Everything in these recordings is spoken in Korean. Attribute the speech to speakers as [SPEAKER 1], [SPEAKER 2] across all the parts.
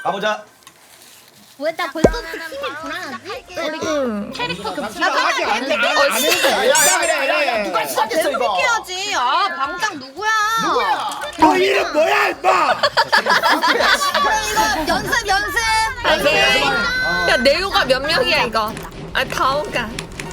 [SPEAKER 1] 가보자.
[SPEAKER 2] 왜 나 벌써 팀이 불안하지?
[SPEAKER 3] 응.
[SPEAKER 2] 캐릭터
[SPEAKER 4] 아직 안 했는데.
[SPEAKER 1] 야, 누가 시작했어 이거?
[SPEAKER 5] 해야지. 아 방장 누구야?
[SPEAKER 1] 누구야?
[SPEAKER 4] 너 이름 뭐야 임마?
[SPEAKER 5] 이거 연습.
[SPEAKER 3] 오케이. 야 네오가 몇 명이야 이거? 아 다오가.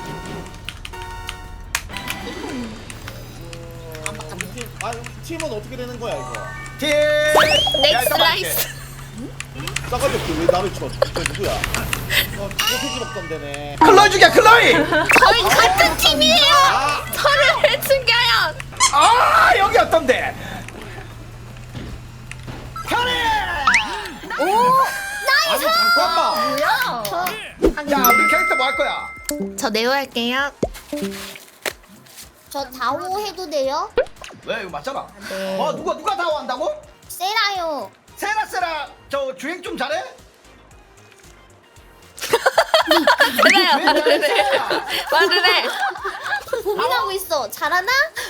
[SPEAKER 4] 아 팀은 어떻게 되는 거야 이거?
[SPEAKER 1] 팀.
[SPEAKER 3] 넥스 라이스.
[SPEAKER 4] 싸가지 없게 왜 나를 쳐? 너 누구야? 소세지 먹던 데네.
[SPEAKER 1] 클로이 죽여 클로이.
[SPEAKER 3] 저희 같은 팀이에요. 서로를 죽여요.
[SPEAKER 1] 아 여기 어떤데? 편해.
[SPEAKER 4] 아니 잠깐만.
[SPEAKER 2] 뭐야?
[SPEAKER 1] 야 우리 캐릭터 뭐 할 거야?
[SPEAKER 3] 저 네오 할게요.
[SPEAKER 2] 저 다오 해도 돼요?
[SPEAKER 1] 왜 이거 맞잖아.
[SPEAKER 3] 네.
[SPEAKER 1] 누가 다 한다고?
[SPEAKER 2] 세라요.
[SPEAKER 1] 세라 저 주행 좀 잘해?
[SPEAKER 3] 그래요. 말을 해. 말을 해.
[SPEAKER 2] 고민하고 있어. 잘하나?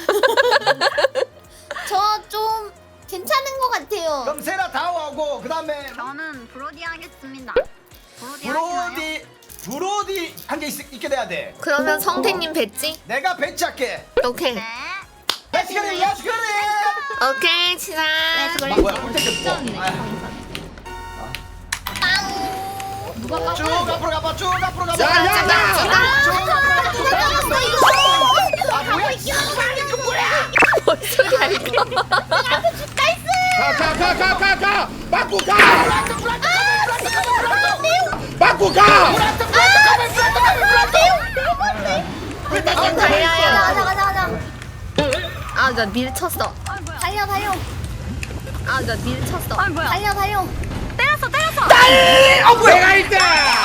[SPEAKER 2] 저 좀 괜찮은 것 같아요.
[SPEAKER 1] 그럼 세라 다오하고 그 다음에
[SPEAKER 5] 저는 브로디 하겠습니다. 브로디 하시나요?
[SPEAKER 1] 브로디 한 개 있게 돼야 돼.
[SPEAKER 3] 그러면 성태님 뱉지?
[SPEAKER 1] 내가 배치할게.
[SPEAKER 3] 오케이.
[SPEAKER 5] 네.
[SPEAKER 1] 배치그래 야스그래.
[SPEAKER 3] 오케이 치사.
[SPEAKER 1] 뭐야 콘텐츠 뭐?
[SPEAKER 2] 누가
[SPEAKER 1] 쭉 앞으로 가봐 쭉 앞으로 가봐.
[SPEAKER 4] 야야야.
[SPEAKER 1] 쭉 앞으로 가봐. 아 뭐야? 이거 뭐야?
[SPEAKER 3] 뭔 소리야 이거?
[SPEAKER 4] 가. 맞고 가. 맞고 가.
[SPEAKER 2] 가자.
[SPEAKER 3] 아 나 밀쳤어.
[SPEAKER 2] 달려.
[SPEAKER 3] 아 나 밀쳤어.
[SPEAKER 2] 달려.
[SPEAKER 5] 때렸어.
[SPEAKER 4] 내가 1등.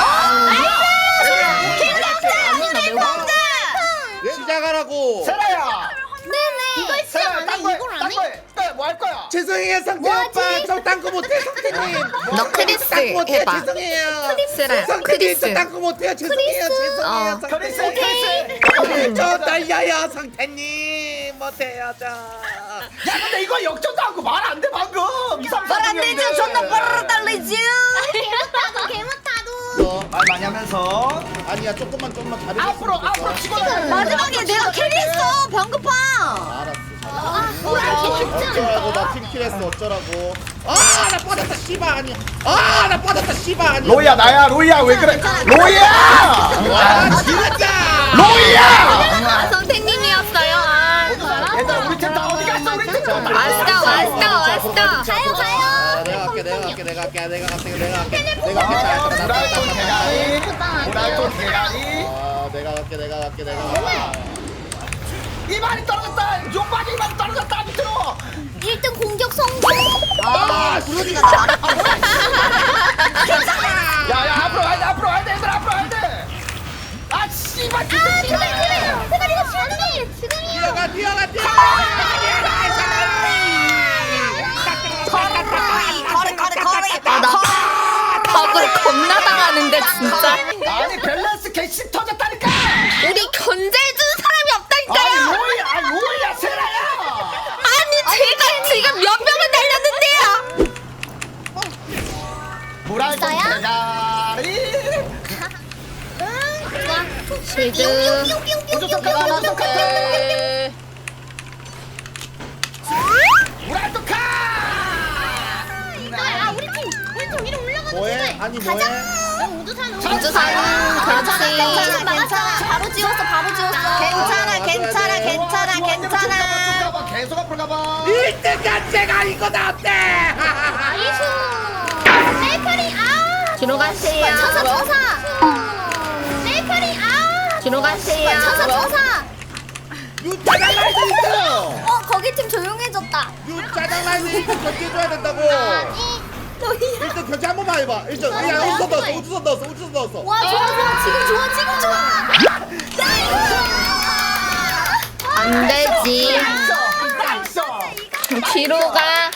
[SPEAKER 4] 시작하라고.
[SPEAKER 1] 세라야.
[SPEAKER 2] 네네. 이걸 시작 안 해? 이걸 안 해?
[SPEAKER 1] 뭐 할 거야?
[SPEAKER 4] 죄송해요 성태
[SPEAKER 2] 뭐하지?
[SPEAKER 4] 오빠. 저 딴거 못해 성태님.
[SPEAKER 3] 너 크리스
[SPEAKER 4] 딴거 못해
[SPEAKER 3] 해봐.
[SPEAKER 4] 죄송해요.
[SPEAKER 3] 세라
[SPEAKER 4] 성태님
[SPEAKER 3] 크리스.
[SPEAKER 4] 저 딴거 못해요 죄송해요.
[SPEAKER 3] 어.
[SPEAKER 1] 크리스.
[SPEAKER 4] 저 달려요 성태님 못해요 저.
[SPEAKER 1] 야 근데 이거 역전도 하고 말 안 돼 방금.
[SPEAKER 5] 말 안 되죠. 존나 빠르르 달리지.
[SPEAKER 2] 개못하도.
[SPEAKER 1] 말 많이 하면서
[SPEAKER 4] 아니야 조금만 잘해줬으면
[SPEAKER 1] 앞으로
[SPEAKER 4] 좋겠어.
[SPEAKER 1] 치고
[SPEAKER 5] 마지막에 내가 캐리했어. 병급파.
[SPEAKER 4] 알았어.
[SPEAKER 2] 쉽지
[SPEAKER 4] 어쩌라고 나 팀킬했어 어쩌라고. 아나 빠졌다 씨발 아니야. 아나 빠졌다 씨발 아니야.
[SPEAKER 1] 로이야 나야 로이야 왜 그래? 로이야.
[SPEAKER 4] 아 진짜.
[SPEAKER 1] 로이야.
[SPEAKER 3] 아 성태님이었어요. 아.
[SPEAKER 1] 얘들아 우리 팀 다 어디 갔어 우리 팀.
[SPEAKER 3] 왔어.
[SPEAKER 4] 내가 갈게.
[SPEAKER 1] 오랄톤 대가리.
[SPEAKER 4] 내가 갈게.
[SPEAKER 1] 이만이 떨어졌다. 용박이 이만 떨어졌다 밑으로.
[SPEAKER 2] 1등 공격 성공.
[SPEAKER 5] 브로디가 나.
[SPEAKER 1] 야야 앞으로 가야 돼 얘들아 앞으로 가야 돼. 아 씨발.
[SPEAKER 2] 제발 이거 지금이야.
[SPEAKER 4] 뛰어가.
[SPEAKER 5] 거리.
[SPEAKER 3] 나 덕을 겁나 당하는데 진짜.
[SPEAKER 1] 아니 밸런스 개씨 터졌다니까.
[SPEAKER 3] 우리 견제해준 사람이 없다니까요.
[SPEAKER 1] 로이야 세라야.
[SPEAKER 3] 아니 제가 지금 몇 명을 날렸는데요.
[SPEAKER 1] 오랄톤
[SPEAKER 2] 있어요?
[SPEAKER 1] 대가리.
[SPEAKER 3] 실드.
[SPEAKER 1] 오랄톤 카.
[SPEAKER 2] 우리 팀 위로 올라가는
[SPEAKER 4] 뭐해? 아니 뭐해?
[SPEAKER 2] 우주산
[SPEAKER 3] 우주산 그렇지.
[SPEAKER 2] 괜찮아. 바로 지웠어.
[SPEAKER 5] 괜찮아.
[SPEAKER 1] 계속 앞으로 가봐.
[SPEAKER 4] 1등 자체가 이거다 어때?
[SPEAKER 2] 나이스. 셀프리
[SPEAKER 3] 뒤로 가세요.
[SPEAKER 2] 쳐사. 셀프리
[SPEAKER 3] 뒤로 가세요.
[SPEAKER 2] 쳐사.
[SPEAKER 4] 유짜장 라이트 1등.
[SPEAKER 2] 거기 팀 조용해졌다.
[SPEAKER 4] 유짜장 라이트 1등 견제해줘야 된다고.
[SPEAKER 2] 아니. 너희야.
[SPEAKER 4] 1등 견제 한 번만 해봐. 1등 그냥 우주선 넣었어.
[SPEAKER 2] 와 좋아. 지금 좋아.
[SPEAKER 3] 안 되지.
[SPEAKER 1] 나이스.
[SPEAKER 3] 뒤로 가.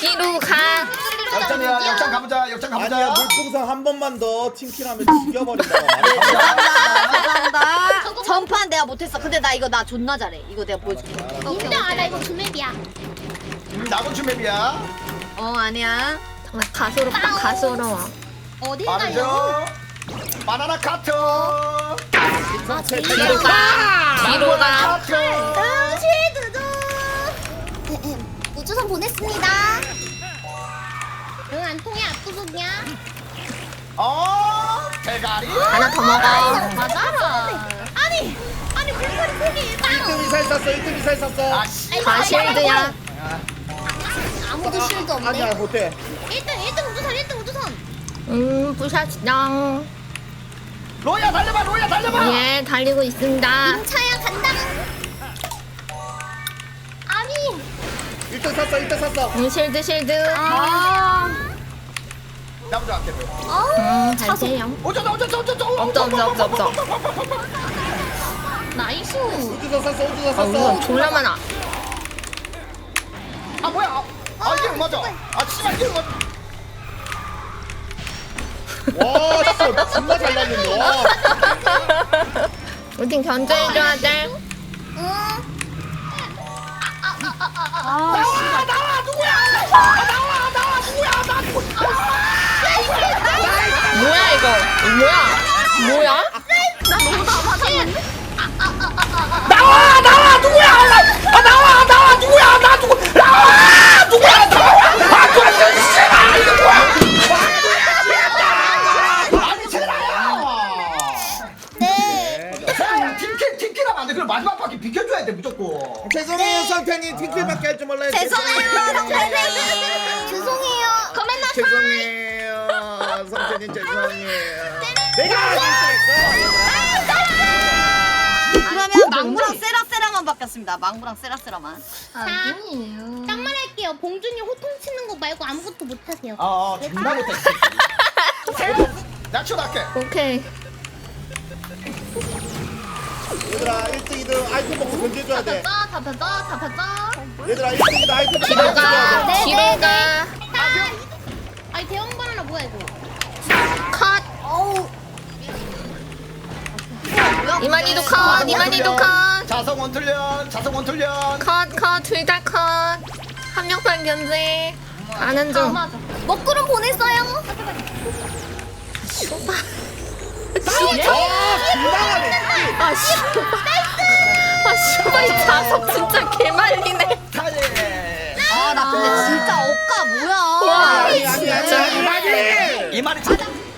[SPEAKER 1] 역전 가보자.
[SPEAKER 4] 아니야 물풍선 한 번만 더 팀킬하면 죽여버린다고 말해.
[SPEAKER 5] 감사합니다. 전판 내가 못했어. 근데 나 이거 나 존나 잘해. 이거 내가 보여줄게.
[SPEAKER 2] 인정 알아 이거 주맵이야.
[SPEAKER 1] 나도 주맵이야.
[SPEAKER 5] 아니야.
[SPEAKER 3] 가소롭다 가소로워.
[SPEAKER 2] 어디 가요?
[SPEAKER 1] 빠르죠? 바나나 카트.
[SPEAKER 3] 뒤로 가. 뒤로 가.
[SPEAKER 1] 카트.
[SPEAKER 2] 쉴드도. 우주선 보냈습니다. 응, 안 통해. 압도적이야.
[SPEAKER 1] 대가리.
[SPEAKER 3] 하나 더 먹어.
[SPEAKER 2] 맞아라. 아니 불판이 크기
[SPEAKER 4] 1등 미사일 쐈어 1등 미사일 쐈어
[SPEAKER 1] 아 씨.
[SPEAKER 3] 다 실드야.
[SPEAKER 2] 아무도 쉴드 없네.
[SPEAKER 4] 아니야 못해
[SPEAKER 2] 1등 우주선.
[SPEAKER 3] 부샷당.
[SPEAKER 1] 로야 달려봐 로야 달려봐.
[SPEAKER 3] 예, 달리고 있습니다.
[SPEAKER 2] 임차야 간다. 아니
[SPEAKER 4] 1등 쐈어 1등 쐈어
[SPEAKER 3] 실드 실드.
[SPEAKER 1] 나 먼저 할게.
[SPEAKER 3] 잘세요.
[SPEAKER 1] 오졌다.
[SPEAKER 3] 없어.
[SPEAKER 2] 나이스.
[SPEAKER 4] 우주선 쐈어 우주선
[SPEAKER 3] 아, 우선
[SPEAKER 4] 쐈어
[SPEAKER 3] 졸라 많아.
[SPEAKER 1] 아 뭐야? 아 이게 맞아. 아 씨발 이게 맞아.
[SPEAKER 4] 와 진짜 존나 잘 날린다 와.
[SPEAKER 3] 우리 팀 견제해줘야 돼. 뭐야 이거? 뭐야?
[SPEAKER 1] 아니 제라야.
[SPEAKER 2] 네.
[SPEAKER 1] 팀킬하면 안 돼. 그럼 마지막 바퀴 비켜줘야 돼 무조건.
[SPEAKER 4] 죄송해요 성태님 팀킬밖에 할 줄 몰라요
[SPEAKER 2] 죄송해요, 성태님. 죄송해요. 거맨나
[SPEAKER 4] 죄송해요 성태님 죄송해요 내가 1등했어
[SPEAKER 5] 그러면 망구랑 세라세라만 바뀌었습니다. 망구랑 세라세라만.
[SPEAKER 2] 아니에요. 딱 말할게요. 봉준이 호통 치는 거 말고 아무것도 못 하세요.
[SPEAKER 1] 존나 못해. 나 치워달게.
[SPEAKER 3] 오케이.
[SPEAKER 4] 얘들아 1등 2등 아이템 먹고 견제해줘야 돼
[SPEAKER 2] 잡혔다.
[SPEAKER 4] 얘들아 1등 2등 아이템 먹고
[SPEAKER 3] 뒤로 가.
[SPEAKER 2] 네,
[SPEAKER 3] 뒤로
[SPEAKER 2] 네,
[SPEAKER 3] 가.
[SPEAKER 2] 아니 대형 바나나 뭐야 이거?
[SPEAKER 3] 컷.
[SPEAKER 2] 어우.
[SPEAKER 3] 이만희도 컷. 이만희도 컷.
[SPEAKER 1] 자성 원툴련.
[SPEAKER 3] 컷. 둘 다 컷. 한 명만 견제. 가는 중.
[SPEAKER 2] 먹구름 보냈어요.
[SPEAKER 4] 민망하네
[SPEAKER 3] 아 슈바 이 자석 진짜 개말리네.
[SPEAKER 5] 나 근데 진짜 억까 뭐야?
[SPEAKER 3] 와,
[SPEAKER 4] 아니
[SPEAKER 1] 이 말이 참.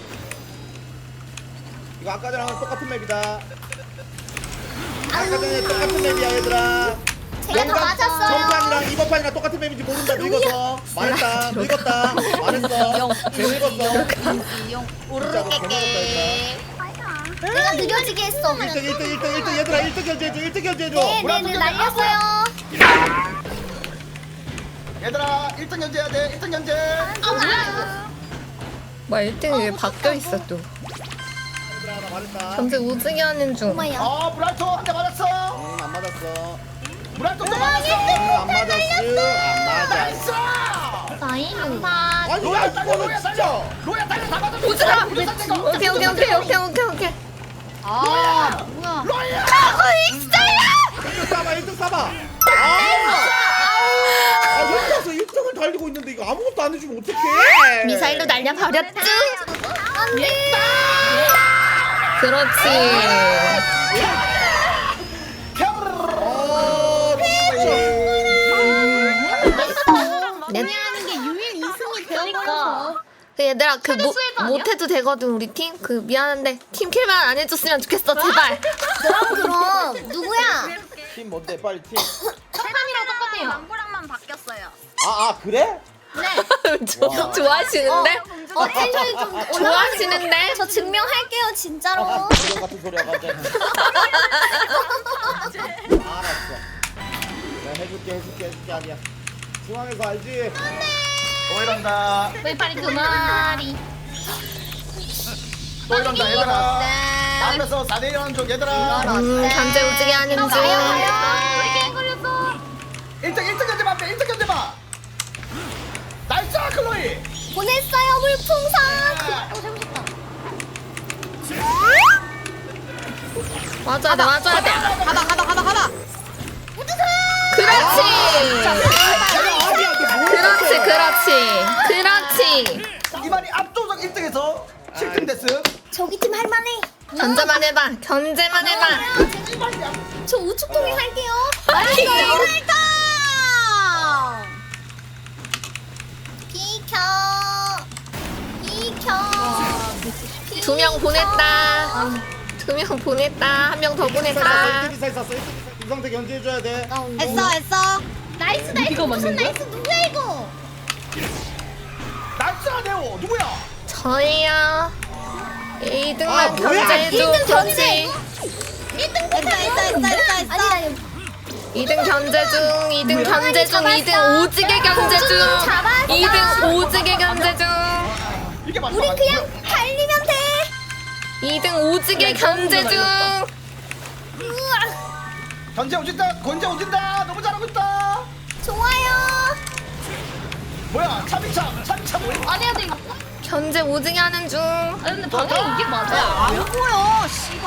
[SPEAKER 4] 이거 아까 전랑 똑같은 맵이다 아까 전에 똑같은 맵이야 얘들아
[SPEAKER 2] 제가 더 맞았어요.
[SPEAKER 4] 전판이랑 이번 판이랑 똑같은 맵인지 모른다 늙어서 말했다 늙었다 말했어 늙었어
[SPEAKER 5] 이용
[SPEAKER 4] 진짜로 개늙었다
[SPEAKER 2] 내가 느려지게 했어.
[SPEAKER 4] 1등 얘들아 1등 견제해줘 1등 견제해줘
[SPEAKER 2] 네네네 날렸어요.
[SPEAKER 1] 얘들아 1등 견제해야 돼. 1등 견제.
[SPEAKER 3] 뭐 1등이 왜 바뀌어 있어 또.
[SPEAKER 4] 얘들아 나 말했다
[SPEAKER 3] 견제 오지게 하는 중.
[SPEAKER 2] 엄마야.
[SPEAKER 1] 브라이토 한 대 맞았어.
[SPEAKER 4] 안 맞았어
[SPEAKER 1] 브라이토 또 맞았어.
[SPEAKER 4] 안 맞았어
[SPEAKER 1] 나이스.
[SPEAKER 2] 나이
[SPEAKER 4] 아니 야 이거는 진짜
[SPEAKER 1] 로야 달려 다 맞았어.
[SPEAKER 3] 오지라. 오케이.
[SPEAKER 5] 뭐야?
[SPEAKER 1] 로야.
[SPEAKER 4] 1등 싸봐 1등 싸봐 혼자서 1등을 달리고 있는데 이거 아무것도 안 해주면 어떡해
[SPEAKER 3] 미사일로 날려버렸죠.
[SPEAKER 2] 안돼.
[SPEAKER 3] 그렇지.
[SPEAKER 2] 하는 게 유일 2승이 되니까.
[SPEAKER 3] 얘들아 못해도 되거든 우리 팀. 미안한데 팀킬만 안 해줬으면 좋겠어 제발.
[SPEAKER 2] 그럼 누구야?
[SPEAKER 4] 팀 뭔데 빨리 팀
[SPEAKER 2] 첫판이랑 똑같아요.
[SPEAKER 5] 망구랑만 바뀌었어요.
[SPEAKER 4] 그래?
[SPEAKER 3] 좋아하시는데?
[SPEAKER 2] 텐션이 좀 올라가.
[SPEAKER 3] 좋아하시는데?
[SPEAKER 2] 저 증명할게요 진짜로.
[SPEAKER 4] 그런 같은 소리 하가지고 알았어 내가 해줄게 아니야 중앙에서 알지?
[SPEAKER 1] 또 이런다.
[SPEAKER 2] 왜 빨리 그 말이.
[SPEAKER 1] 또 이런다 얘들아. 앞에서 4대1 쪽 얘들아.
[SPEAKER 3] 견제 오지게 하는 중.
[SPEAKER 2] 걸렸어.
[SPEAKER 1] 1등 견제 봐. 1등 견제 봐. 나이스 클로이.
[SPEAKER 2] 보냈어요 물풍선. 잘못했다.
[SPEAKER 3] 맞아야 돼.
[SPEAKER 5] 가봐.
[SPEAKER 3] 그렇지.
[SPEAKER 4] 아니야 너 뭐야
[SPEAKER 3] 그렇지. 그렇지.
[SPEAKER 1] 이만희 압도적 1등에서 7등 됐음.
[SPEAKER 2] 저기 팀 할만해.
[SPEAKER 3] 견제만 해봐.
[SPEAKER 2] 저 우측동에 할게요. 비켜.
[SPEAKER 3] 2명 보냈다. 2명 보냈다. 1명 더 보냈다.
[SPEAKER 4] 1등 이상 있었어. 김성태 견제해줘야 돼.
[SPEAKER 5] 했어.
[SPEAKER 2] 나이스. 무슨 나이스 누구야 이거?
[SPEAKER 1] 나이스 아네오 누구야?
[SPEAKER 3] 저희요. 2등만
[SPEAKER 1] 아, 뭐야?
[SPEAKER 3] 견제해줘.
[SPEAKER 2] 1등
[SPEAKER 3] 그렇지.
[SPEAKER 2] 1등
[SPEAKER 5] 했어.
[SPEAKER 2] 아니
[SPEAKER 3] 2등 견제 중. 2등 견제 중. 2등 오지게 견제 중.
[SPEAKER 2] 잡았어.
[SPEAKER 3] 2등 오지게 견제 중.
[SPEAKER 1] 이게 맞다.
[SPEAKER 2] 우리 그냥 달리면 돼.
[SPEAKER 3] 2등 오지게 견제 중.
[SPEAKER 1] 견제 오진다. 너무 잘하고 있다.
[SPEAKER 2] 좋아요.
[SPEAKER 1] 뭐야? 차비차 뭐야?
[SPEAKER 2] 안 해야 돼 이거.
[SPEAKER 3] 견제 오지게 하는 중.
[SPEAKER 2] 근데 방금 이게 맞아.
[SPEAKER 5] 안 보여. 씨발.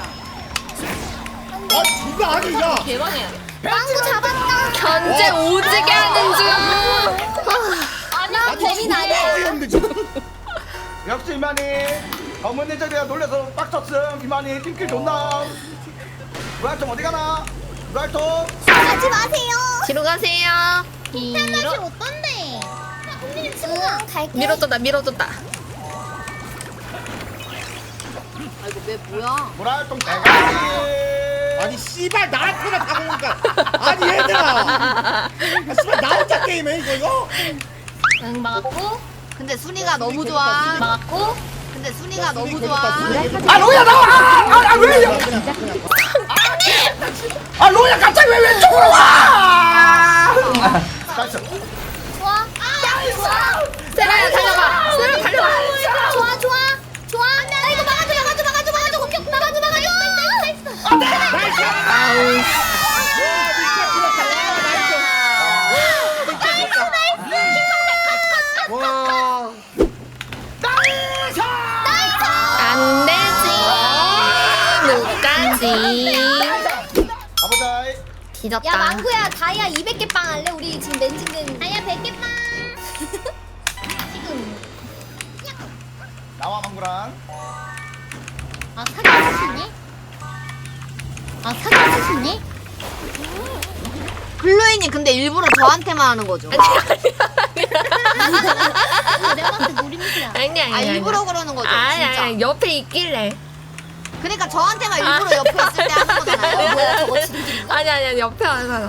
[SPEAKER 4] 아 누가 아니 야.
[SPEAKER 2] 대박이야. 빵구 잡았다.
[SPEAKER 3] 견제 오지게 하는 중.
[SPEAKER 2] 아니야 범인 아니야.
[SPEAKER 1] 역시 이만희 검은 예정이가 놀려서 빡쳤음. 이만희 팀킬 존나. 루알통 어디 가나? 루알통.
[SPEAKER 2] 가지 마세요.
[SPEAKER 3] 뒤로 가세요.
[SPEAKER 2] 템맛이 어떤데? 언니 지금 갈게.
[SPEAKER 3] 밀어줬다.
[SPEAKER 5] 아이고 왜 뭐야?
[SPEAKER 1] 루알통 대가리.
[SPEAKER 4] 아니 씨발 나한테만 다 오니까. 아니 얘들아. 씨발 나 혼자 게임해 이거.
[SPEAKER 2] 응 막았고.
[SPEAKER 5] 근데 순이가 너무 좋아.
[SPEAKER 2] 막았고.
[SPEAKER 5] 근데 순이가 너무 좋아.
[SPEAKER 1] 아 로야 나와. 아 왜? 아 로야 갑자기 왜 왼쪽으로 와? 나이스.
[SPEAKER 2] 좋아.
[SPEAKER 3] 세라야 달려봐. 세라 달려봐.
[SPEAKER 2] 좋아. 나 이거 막아줘. 공격 막아줘. 나이스.
[SPEAKER 3] 아우.
[SPEAKER 4] 와.
[SPEAKER 3] 안 되지. 못 가지.
[SPEAKER 1] 가보자.
[SPEAKER 3] 뒤졌다.
[SPEAKER 2] 야 망구야 다이아 200개 빵 할래? 우리 지금 멘징된 다이아 100개 빵. 지금
[SPEAKER 1] 나와 망구랑.
[SPEAKER 2] 사기치네?
[SPEAKER 5] 글로이님 근데 일부러 저한테만 하는 거죠?
[SPEAKER 2] 내가 봤을 때 노림수야.
[SPEAKER 3] 아니야.
[SPEAKER 5] 일부러 그러는 거죠? 진짜.
[SPEAKER 3] 아니 옆에 있길래.
[SPEAKER 5] 그러니까 저한테만 일부러 옆에 있을 때 하는 거잖아요.
[SPEAKER 2] 뭐야 저거 지금
[SPEAKER 3] 아니 옆에 와서.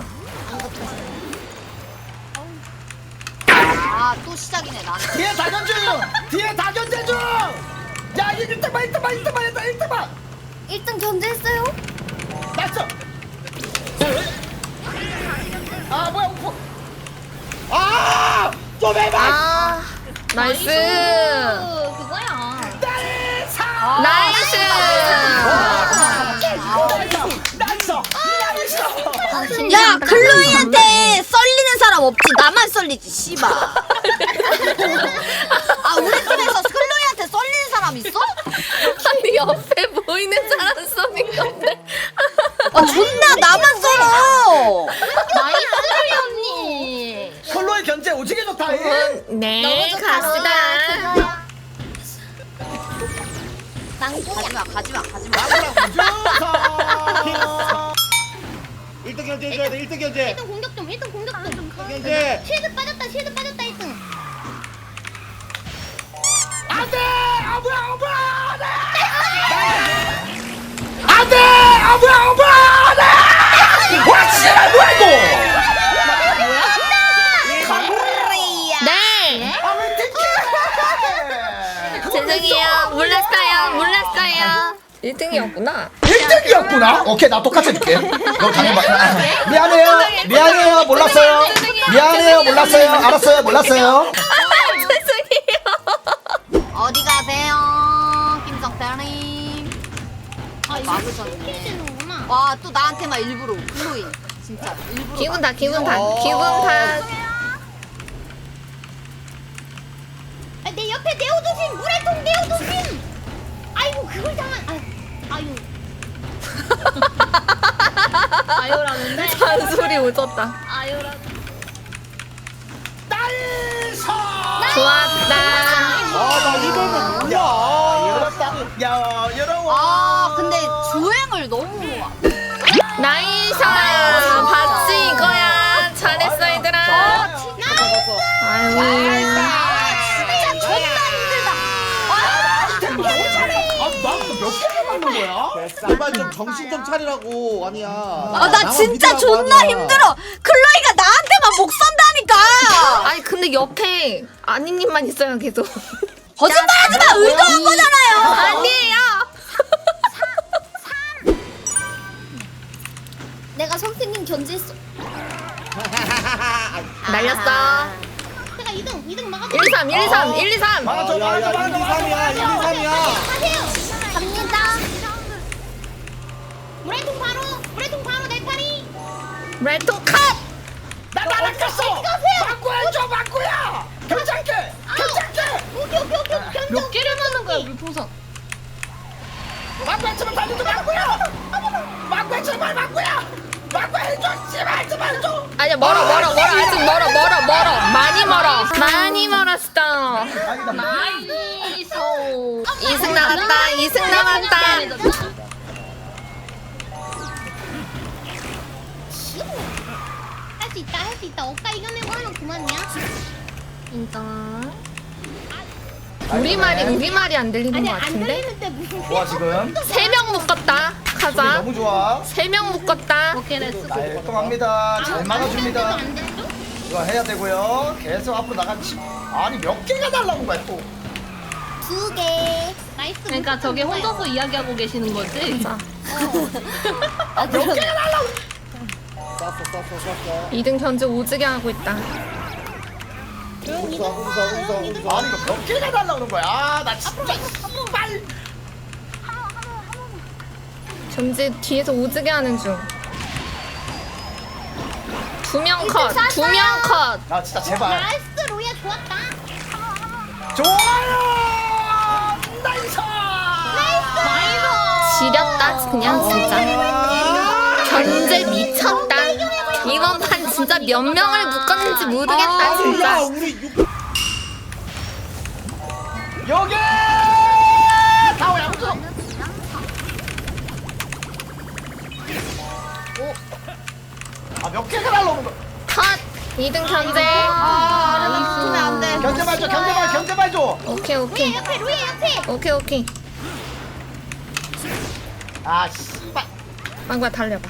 [SPEAKER 5] 아 또 시작이네 나는.
[SPEAKER 1] 뒤에 다 견제 중. 야 1등만
[SPEAKER 2] 1등 견제했어요?
[SPEAKER 1] 나이스. 아 뭐야 우프. 좀 해봐.
[SPEAKER 3] 아 나이스.
[SPEAKER 2] 그거야.
[SPEAKER 3] 나이스.
[SPEAKER 5] 야 글로이한테 썰리는 사람 없지. 나만 썰리지 씨발. 아 우리 팀에서 글로이한테 썰리는 사람 있어?
[SPEAKER 3] 아니 옆에 보이는 사람 쏘는 건데.
[SPEAKER 5] 아 존나 나만 썰어.
[SPEAKER 2] 나이스 언니.
[SPEAKER 1] 컬러의 견제 오지게 좋다.
[SPEAKER 3] 네 갑시다.
[SPEAKER 2] 망구야.
[SPEAKER 5] 가지마.
[SPEAKER 1] 좋다.
[SPEAKER 4] 1등 견제해줘야 돼. 1등 견제.
[SPEAKER 2] 1등 공격 좀.
[SPEAKER 4] 견제.
[SPEAKER 2] 쉴드 빠졌다 1등.
[SPEAKER 1] 안돼. 아 뭐야. 안돼. 아 뭐야. 와 씨발 뭐야 이거.
[SPEAKER 3] 네.
[SPEAKER 1] 아왜 팀킬.
[SPEAKER 3] 죄송해요. 몰랐어요. 1등이었구나.
[SPEAKER 1] 1등이었구나. 오케이 나 똑같이 해줄게. 너 당해봐. 미안해요. 몰랐어요. 알았어요. 몰랐어요.
[SPEAKER 3] 죄송해요.
[SPEAKER 5] 어디 가세요 김성태님. 막으셨네. 와 또 나한테만 일부러 글로이 진짜 일부러.
[SPEAKER 3] 기분 다.
[SPEAKER 2] 내 옆에 네오도심 물의통 네오도심. 아이고 그걸 당한. 아유. 아유라는데.
[SPEAKER 3] 잔소리 오졌다.
[SPEAKER 2] 아유라.
[SPEAKER 1] 나이.
[SPEAKER 3] 좋았다.
[SPEAKER 4] 아나 이거는 뭐야?
[SPEAKER 1] 열었다. 야 열어.
[SPEAKER 5] 아 근데 주행을 너무
[SPEAKER 3] 나이스. 봤지 이거야. 잘했어 얘들아. 아유.
[SPEAKER 5] 진짜 존나 힘들다.
[SPEAKER 1] 몇 개를 맞는 거야?
[SPEAKER 4] 제발 좀 정신 좀 차리라고 아니야.
[SPEAKER 5] 아 나 진짜 존나 힘들어. 클로이가 나한테만 목 쏜다니까.
[SPEAKER 3] 아니 근데 옆에 아니님만 있어요 계속.
[SPEAKER 5] 거짓말하지 마. 의도한 거잖아요.
[SPEAKER 3] 아니에요.
[SPEAKER 5] 내가 선생님 견제했어.
[SPEAKER 3] 날렸어.
[SPEAKER 2] 제가 2등 막아줘.
[SPEAKER 3] 1, 2, 3, 1, 2, 3, 1, 2, 3.
[SPEAKER 4] 야야 1, 2, 3이야 1, 2, 3이야.
[SPEAKER 2] 가세요.
[SPEAKER 5] 갑니다.
[SPEAKER 2] 물의통 바로 내 팔이.
[SPEAKER 3] 레토 컷.
[SPEAKER 1] 나 날아갔어. 막구야 막구야. 괜찮게.
[SPEAKER 2] 오케이.
[SPEAKER 5] 몇 개를 맞는 거야 물풍선?
[SPEAKER 1] 막구야 제발 달려줘 막구야. 막구야 제발 막구야. 막구야 해줘 제발 해줘.
[SPEAKER 3] 아니야 멀어 아직 멀어 많이 멀었어.
[SPEAKER 5] 나이스.
[SPEAKER 3] 2승 남았다 2승 남았다.
[SPEAKER 2] 할 수 있다. 억까 이겨내고 하면 그만이야.
[SPEAKER 3] 인정. 우리 말이 안 들리는
[SPEAKER 2] 아니
[SPEAKER 3] 것
[SPEAKER 2] 안
[SPEAKER 3] 같은데?
[SPEAKER 2] 들리는데 무슨
[SPEAKER 1] 좋아 지금.
[SPEAKER 3] 3명 묶었다. 가자.
[SPEAKER 1] 너무 좋아.
[SPEAKER 3] 3명 묶었다.
[SPEAKER 5] 오케이 렛츠.
[SPEAKER 1] 깔끔합니다. 잘 막아줍니다.
[SPEAKER 2] 안 되죠?
[SPEAKER 1] 이거 해야 되고요. 계속 앞으로 나가지. 아니 몇 개가 달라는 거야 또.
[SPEAKER 5] 2개.
[SPEAKER 2] 나이스.
[SPEAKER 5] 그러니까 저게 혼자서 이야기하고 계시는 거지?
[SPEAKER 3] 자,
[SPEAKER 1] 몇 개가 달라고.
[SPEAKER 4] 쐈어.
[SPEAKER 3] 2등 견제 오지게 하고 있다.
[SPEAKER 4] 웃어.
[SPEAKER 1] 아니 이거 몇 개가 달라는 거야. 나 진짜 빨.
[SPEAKER 3] 견제 뒤에서 오지게 하는 중. 2명 컷. 2명 컷.
[SPEAKER 1] 나 진짜 제발.
[SPEAKER 2] 나이스 로야 좋았다.
[SPEAKER 1] 좋아요. 나이스.
[SPEAKER 3] 지렸다 그냥 진짜. 견제 미쳤다. 이번 판 진짜 몇 명을 묶었는지 모르겠다
[SPEAKER 4] 야
[SPEAKER 3] 진짜.
[SPEAKER 4] 우리
[SPEAKER 1] 여기. 다오야 무서. 아몇 개가 달라는 거야.
[SPEAKER 3] 컷. 2등 견제.
[SPEAKER 5] 안 돼.
[SPEAKER 1] 견제 줘.
[SPEAKER 3] 오케이.
[SPEAKER 2] 로야 옆에.
[SPEAKER 1] 아 씨발.
[SPEAKER 3] 망고야 달려봐.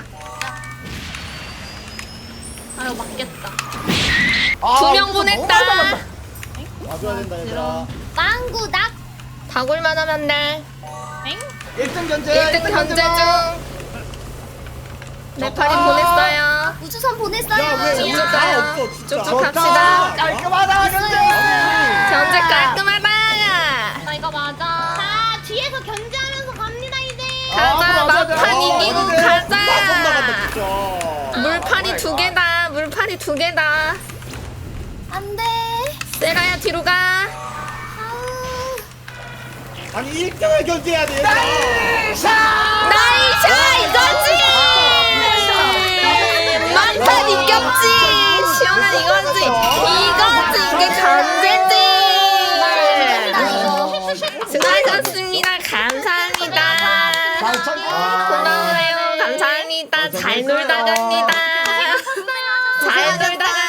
[SPEAKER 5] 아유 맞겠다.
[SPEAKER 1] 아,
[SPEAKER 3] 2명
[SPEAKER 1] 너무
[SPEAKER 3] 보냈다.
[SPEAKER 1] 달랐다.
[SPEAKER 4] 와줘야 된다 얘들아.
[SPEAKER 2] 망구 낙.
[SPEAKER 3] 다굴만 하면 돼.
[SPEAKER 1] 1등 견제.
[SPEAKER 3] 1등 견제 중. 내 팔이 보냈어요.
[SPEAKER 5] 우주선 보냈어요.
[SPEAKER 4] 야왜
[SPEAKER 3] 쭉쭉
[SPEAKER 4] 다
[SPEAKER 3] 가요.
[SPEAKER 4] 없어 진짜.
[SPEAKER 3] 쭉쭉 갑시다.
[SPEAKER 1] 깔끔하다 견제.
[SPEAKER 3] 견제 깔끔하다.
[SPEAKER 5] 나 이거 맞아.
[SPEAKER 2] 자 뒤에서 견제하면서 갑니다 이제.
[SPEAKER 3] 가자
[SPEAKER 1] 맞아.
[SPEAKER 3] 막판 이기고 가자.
[SPEAKER 4] 나간다 진짜.
[SPEAKER 3] 물판이 2개다. 물판이 2개다.
[SPEAKER 5] 안 돼.
[SPEAKER 3] 세라야 뒤로 가.
[SPEAKER 4] 아니 1등을 견제해야 돼 얘들아.
[SPEAKER 3] 나이샤 이거지. 막판 이겼지. 시원한 이거지. 이게 견제지. 수고하셨습니다. 감사합니다. 고마워요. 감사합니다. 잘 놀다 갑니다. 잘 놀다 갑니다.